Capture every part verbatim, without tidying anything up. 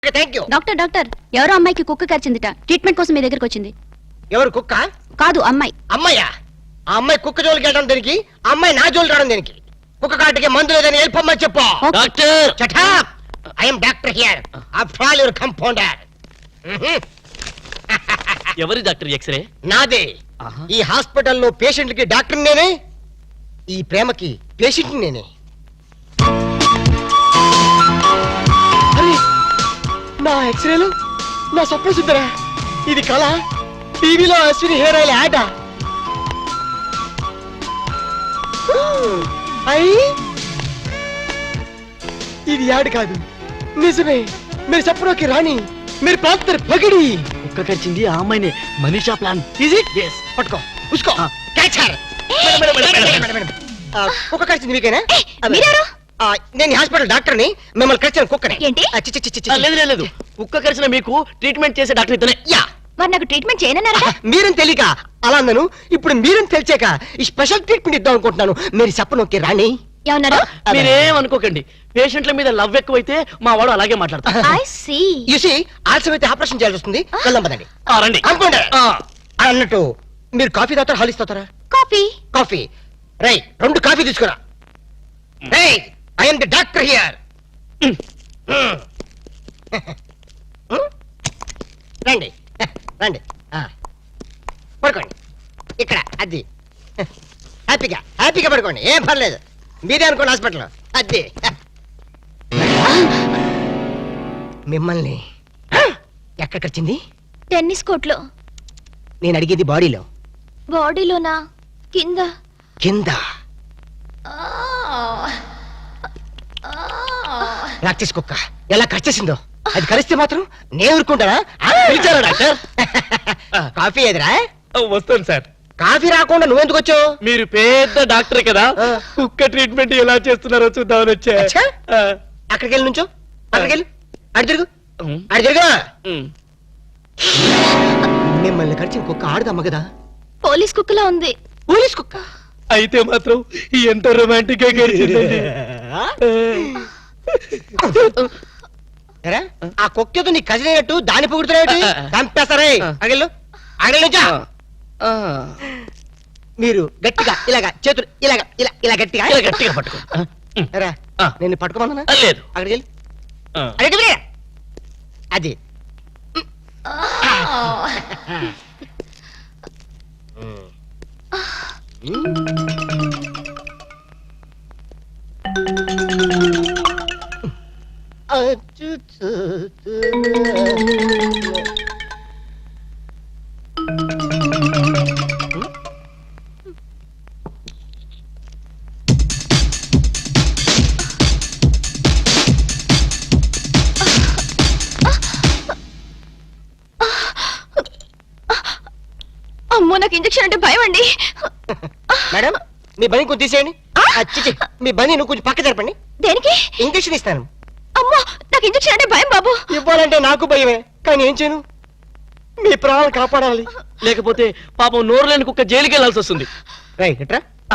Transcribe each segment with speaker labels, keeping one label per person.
Speaker 1: Thank you.
Speaker 2: Doctor doctor ఎవరో అమ్మాయికి కుక్క కరిచిందిట. ట్రీట్మెంట్ కోసం మీ దగ్గరికి వచ్చింది.
Speaker 1: ఎవరు కుక్క?
Speaker 2: కాదు అమ్మాయి.
Speaker 1: అమ్మాయ్యా? ఆ అమ్మాయి కుక్క జోలికి వెళ్ళడం దేనికి? ఆ అమ్మాయి నా జోలికి రావడం దేనికి? కుక్క కాటికి మందు లేదని వెళ్ళిపోమ్మని చెప్పు.
Speaker 3: Doctor
Speaker 1: Shut up! I am doctor here. After all, your compounder.
Speaker 3: ఎవరి డాక్టర్ ఎక్స్రే?
Speaker 1: నాదే. ఈ హాస్పిటల్లో పేషెంట్ కి డాక్టర్ నేనే, ఈ ప్రేమకి పేషెంట్ నేనే. అరే నా ఎక్స్రేలు నా స్వప్న సుందరా, ఇది కళ? టీవీలో అశ్విని హెయిర్ ఆయిల్ యాడ్. అయ్యి ఇది యాడ్ కాదు, నిజమే. మీరు సప్నోకి రాణి, మీరు ప్రాంతర్ పగిడి.
Speaker 3: కుక్క కరిచింది ఆ అమ్మాయినే. మనీషా ప్లాన్.
Speaker 1: Easy yes. పట్టుకో ఉస్కో క్యాచ్ హర్. కుక్క కరిచింది మీకేనా?
Speaker 2: మీరెవరు?
Speaker 1: ఆ, నేను హాస్పిటల్ డాక్టర్ని. మిమ్మల్ని కరిచిన కుక్కని.
Speaker 2: ఏంటి?
Speaker 1: ఆ, చి, చి, చి, చి, చి.
Speaker 3: ఆ, లేదు లేదు, లేదు కుక్క కరిచిన మీకు ట్రీట్మెంట్ చేసే డాక్టర్ ఇతనే.
Speaker 1: యా
Speaker 2: మరి నాకు ట్రీట్మెంట్ చేయనన్నారా?
Speaker 1: మీరేం తెలియక అలా అన్నాను. ఇప్పుడు మీరేం తెలిసాక ఈ స్పెషల్ ట్రీట్మెంట్ ఇద్దాం అనుకుంటున్నాను. మీరు చెప్పనోకే రాణి.
Speaker 2: ఏమన్నారు?
Speaker 3: మీరేం అనుకోకండి. పేషెంట్ల మీద లవ్ ఎక్కువైతే మా వాడు అలాగే మాట్లాడతారు.
Speaker 2: I see.
Speaker 1: యు సీ ఆలస్యం అయితే ఆపరేషన్ చేయాల్సి వస్తుంది. వెళ్దాం పదండి.
Speaker 3: ఆ, రండి.
Speaker 1: అనుకోండి.
Speaker 3: ఆ,
Speaker 1: అన్నట్టు మీరు కాఫీ తాగుతారా హాలిస్ తాగుతారా?
Speaker 2: కాఫీ.
Speaker 1: కాఫీ రై రెండు కాఫీ తీసుకురా. Rai I am the doctor here. రండి రండి. ఆ, పడుకోండి ఇక్కడ. అది హ్యాపీగా హ్యాపీగా పడుకోండి, ఏం పర్లేదు. మీరే అనుకోండి హాస్పిటల్. అది మిమ్మల్ని ఎక్కడ కరిచింది?
Speaker 2: టెన్నిస్ కోర్ట్లో.
Speaker 1: నేను అడిగేది బాడీలో.
Speaker 2: బాడీలోనా? కింద.
Speaker 1: కింద ప్రాక్టీస్ కుక్క ఎలా కరిచేసిందో. అది కరిస్తే మాత్రం నేను ఊరుకుంటానా? పిలిచారా డాక్టర్? కాఫీ ఎదురా?
Speaker 3: వస్తాను సార్.
Speaker 1: కాఫీ రాకుండా నువ్వెందుకు వచ్చావు?
Speaker 3: మీరు పెద్ద డాక్టర్ కదా,
Speaker 1: ఆ.
Speaker 3: కుక్క ట్రీట్మెంట్ ఎలా చేస్తున్నారో చూద్దామని వచ్చా.
Speaker 1: అచ్చా?
Speaker 3: ఆ.
Speaker 1: అక్కడికి వెళ్ళి నుంచో. అక్కడికి వెళ్ళి అడి తిరుగు
Speaker 3: ఉమ్,
Speaker 1: అడి తిరుగు.
Speaker 3: ఉమ్.
Speaker 1: మిమ్మల్ని కరిచిన కుక్క ఆడదమ్మ కదా?
Speaker 2: పోలీస్ కుక్కలా ఉంది.
Speaker 1: పోలీస్ కుక్క?
Speaker 3: అయితే మాత్రం ఎంత రొమాంటిక్ గా గడిచిందండి.
Speaker 1: ఎరా, ఆ కుక్కతో నీ కజిన్ అయినట్టు దాని పొగుడుతున్నాయి. చంపేస్తారే. అగలు అగలు నుంచో.
Speaker 3: ఆ,
Speaker 1: మీరు గట్టిగా ఇలాగా చేతులు ఇలాగా ఇలా ఇలా గట్టిగా
Speaker 3: ఇలా గట్టిగా పట్టుకో.
Speaker 1: ఎరా,
Speaker 3: ఆ.
Speaker 1: నేను పట్టుకోమన్నా?
Speaker 3: ఆ, లేదు.
Speaker 1: అక్కడికి వెళ్ళి
Speaker 3: ఆ.
Speaker 1: అక్కడికి వెళ్ళి. అది
Speaker 2: అమ్మో, నాకు ఇంజెక్షన్ అంటే భయం అండి.
Speaker 1: మేడం మీ బని కొంచెం తీసేయండి. చిచి మీ బని నువ్వు కొంచెం పక్క జరపండి.
Speaker 2: దేనికి?
Speaker 1: ఇంజక్షన్ ఇస్తాను.
Speaker 2: అమ్మో, నాకు ఇంజెక్షన్ అంటే భయం బాబు.
Speaker 1: ఇవ్వాలంటే నాకు భయమే, కానీ ఏం చేయను? మీ ప్రాణాలు కాపాడాలి.
Speaker 3: లేకపోతే పాపం నోరు లేని కుక్క జైలుకి వెళ్లాల్సి వస్తుంది.
Speaker 1: రైట్ ఎట్రా?
Speaker 3: ఆ,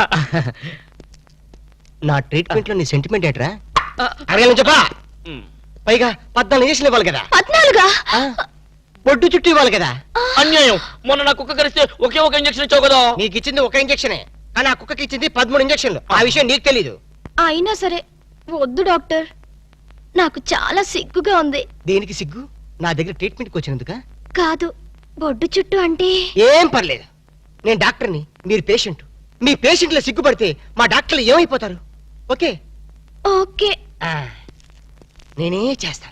Speaker 1: నా ట్రీట్మెంట్ లో నీ సెంటిమెంట్ ఎట్రా?
Speaker 3: ఆ,
Speaker 1: అడగలను చెప్పా.
Speaker 3: ఉమ్.
Speaker 1: పైగా పద్నాలుగు ఇంజక్షన్ ఇవ్వాలి కదా?
Speaker 2: పద్నాలుగా?
Speaker 1: ఆ, బొడ్డు చుట్టూ ఇవ్వాలి కదా?
Speaker 3: అన్యాయం. మొన్న నా కుక్క కరిస్తే ఒకే ఒక ఇంజక్షన్ ఇచ్చావు కదా.
Speaker 1: నీకు ఇచ్చింది ఒక ఇంజక్షనే, కానీ ఆ కుక్కకి ఇచ్చింది పదమూడు ఇంజక్షన్లు. ఆ విషయం నీకు తెలీదు.
Speaker 2: అయినా సరే వద్దు డాక్టర్, నాకు చాలా సిగ్గుగా ఉంది.
Speaker 1: దేనికి సిగ్గు? నా దగ్గర ట్రీట్మెంట్కి వచ్చినందుక?
Speaker 2: కాదు, బొడ్డు చుట్టూ అంటే.
Speaker 1: ఏం పర్లేదు, నేను డాక్టర్ని, మీరు పేషెంట్. మీ పేషెంట్ల సిగ్గుపడితే మా డాక్టర్లు ఏమైపోతారు? Okay
Speaker 2: okay.
Speaker 1: ఆ, నేనే చేస్తాను.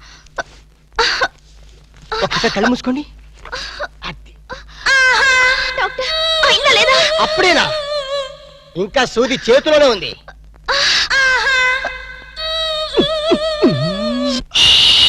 Speaker 1: ఒక్కసారి కళ్ళు మూసుకోండి. అది
Speaker 2: డాక్టర్, అయిందా లేదా?
Speaker 1: అప్పుడేనా? ఇంకా సూది చేతిలోనే ఉంది.